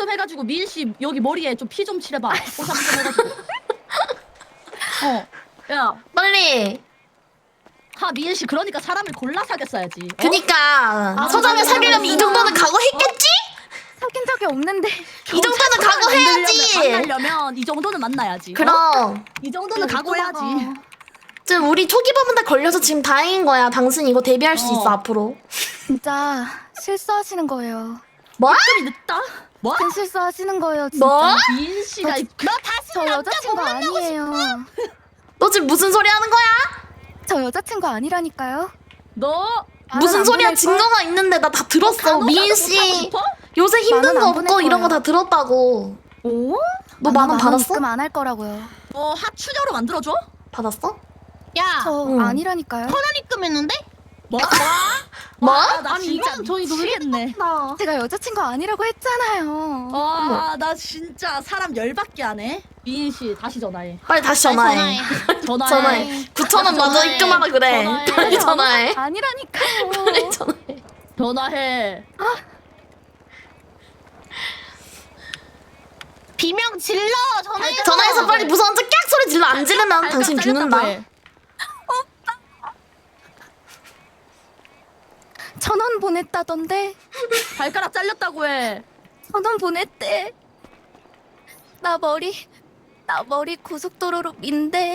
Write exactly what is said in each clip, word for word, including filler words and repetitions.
해가지고 미인 씨 여기 머리에 좀 피 좀 칠해봐. 뽀샵 좀 해가지고. 어. 야, 빨리. 하 미인 씨 그러니까 사람을 골라 사귀었어야지. 어? 그니까 아, 서장을 맞아, 사귀려면 맞아. 이 정도는 각오했겠지? 사귄 적이 없는데. 이 정도는 각오해야지. 만나려면 이 정도는 만나야지. 어? 그럼 이 정도는 각오해야지. 지금 우리 초기 범한테 걸려서 지금 다행인 거야. 당신 이거 데뷔할 수 어. 있어 앞으로. 진짜 실수하시는 거예요. 뭐? 좀 늦다. 뭐? 큰 실수하시는 거예요, 진짜. 뭐? 미인 씨가 이- 너 다시 저 남자 여자친구 못 만나고 아니에요. 너 지금 무슨 소리 하는 거야? 저 여자친구 아니라니까요. 너 무슨 안 소리야? 보낼 증거가 있는데 나 다 들었어. 간호사도 미인 못하고 씨 싶어? 요새 힘든 만원 거 안 보낼 없고 이런 거 거예요. 다 들었다고. 오? 너 만 원 받았어? 입금 안 할 거라고요. 너 하추녀로 만들어줘? 받았어? 야, 저 응. 아니라니까요. 천원 입금했는데? 뭐? 뭐? 와, 나 아니, 진짜 이건 저희 놀겠네. 제가 여자친구 아니라고 했잖아요. 와, 나 진짜 사람 열받게 하네. 미인 씨 다시 전화해. 빨리 다시 빨리 전화해. 전화해. 전화해. 구천 원 먼저 전화해. 입금하라 그래. 전화해. 빨리 전화해. 아니라니까요. 빨리 전화해. 전화해. 비명 질러! 전화해서! 전화해서 빨리 무서운 척 깍 소리 질러. 안 지르면 발가락 당신 잘렸다고 죽는다. 해. 천 원 보냈다던데. 발가락 잘렸다고 해. 천 원 보냈대. 나 머리, 나 머리 고속도로로 민대.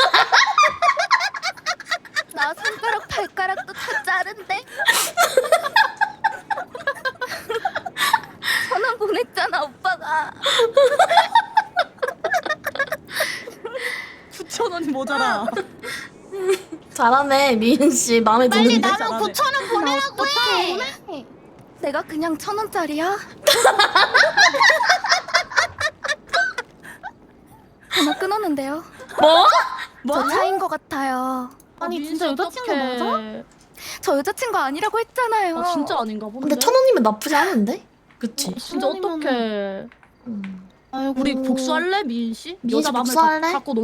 나 손가락, 발가락도 다 자른데. 천 원 보냈잖아, 오빠가. 구천 원이 모자라. 잘하네 미인 씨 마음에 빨리 드는데. 나면 잘하네. 구천 원 보내라고 해! 해. 내가 그냥 천 원짜리야? 전화 끊었는데요. 뭐? 저 차인 것 같아요. 아니 진짜 여자친구 맞아? 저 여자친구 아니라고 했잖아요. 아 진짜 아닌가 본데. 근데 천 원이면 나쁘지 않은데? 그치? 진짜 어떡해. 음. 아이고. 우리 복수할래 미인 씨? 미인 씨 여자 마음을 복수할래? 갖고